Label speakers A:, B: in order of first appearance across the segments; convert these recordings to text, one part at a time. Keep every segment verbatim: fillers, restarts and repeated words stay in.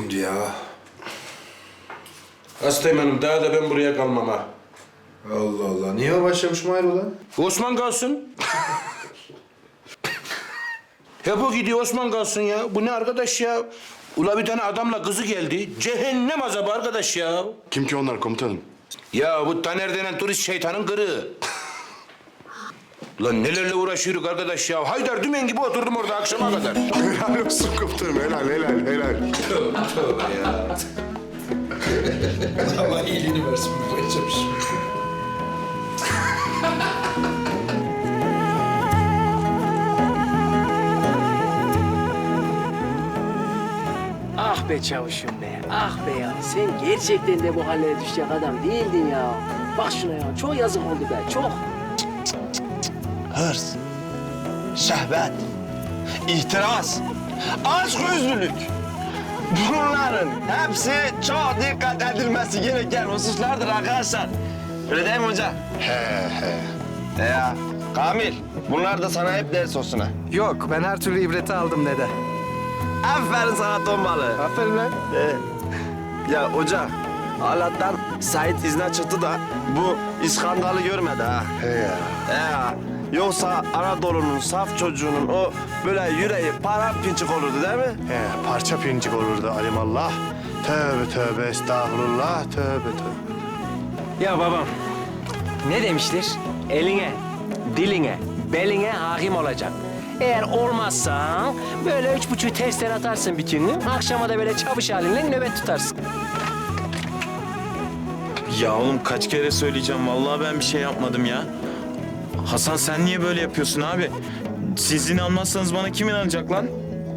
A: gündü ya.
B: Hastayım daha da ben buraya kalmam ha.
A: Allah Allah. Niye o başlamış hayrola?
B: Osman kalsın. Hep o gidiyor, Osman kalsın ya. Bu ne arkadaş ya? Ula bir tane adamla kızı geldi. Cehennem azabı arkadaş ya.
C: Kim ki onlar komutanım?
B: Ya bu Taner denen turist şeytanın kırığı. Lan nelerle uğraşıyoruz arkadaş ya. Haydar dümen gibi oturdum orada akşama kadar.
C: Helal olsun komutanım. Helal, helal, helal.
B: Tövbe ya.
A: Allah iyiliğini versin. Başlamış.
D: Ah be çavuşum be, ah be ya. Sen gerçekten de bu hallere düşecek adam değildin ya. Bak şuna ya, çok yazık oldu be, çok.
E: Hırs, şehvet, ihtiras, açgözlülük. Bunların hepsi çok dikkat edilmesi gereken hususlardır arkadaşlar. Öyle değil mi hoca?
C: He he.
E: E ya, Kamil, bunlar da sana hep ders olsun ha.
F: Yok, ben her türlü ibreti aldım dede.
E: Aferin sana ton balığı.
F: Aferin lan.
E: Ee, ya hoca, Allah'tan Sait izne çıktı da bu iskandalı görmedi ha.
C: He ya.
E: Ee, ya, yoksa Anadolu'nun saf çocuğunun o böyle yüreği paramparçık olurdu değil mi?
C: He, parça pincik olurdu alimallah. Tövbe tövbe estağfurullah. Tövbe tövbe.
D: Ya babam, ne demiştir? Eline, diline, beline hakim olacak. Eğer olmazsan böyle üç buçuğu tersten atarsın bir günlük. Akşama da böyle çavuş halinle nöbet tutarsın.
G: Ya oğlum kaç kere söyleyeceğim. Vallahi ben bir şey yapmadım ya. Hasan sen niye böyle yapıyorsun abi? Siz inanmazsanız bana kim inanacak lan?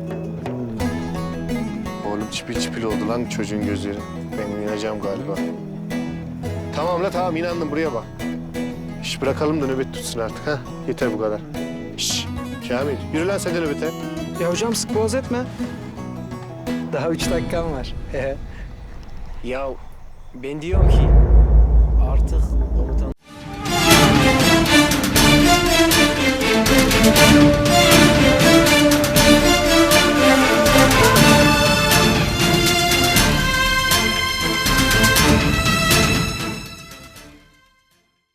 C: Oğlum çipil çipil oldu lan çocuğun gözleri. Ben inanacağım galiba. Tamam la tamam inandım buraya bak. İş bırakalım da nöbet tutsun artık ha. Yeter bu kadar. Şş, Kamil yürü lan sen de nöbete.
F: Ya hocam sık boğaz etme. Daha üç dakikam var.
D: Ya ben diyorum ki artık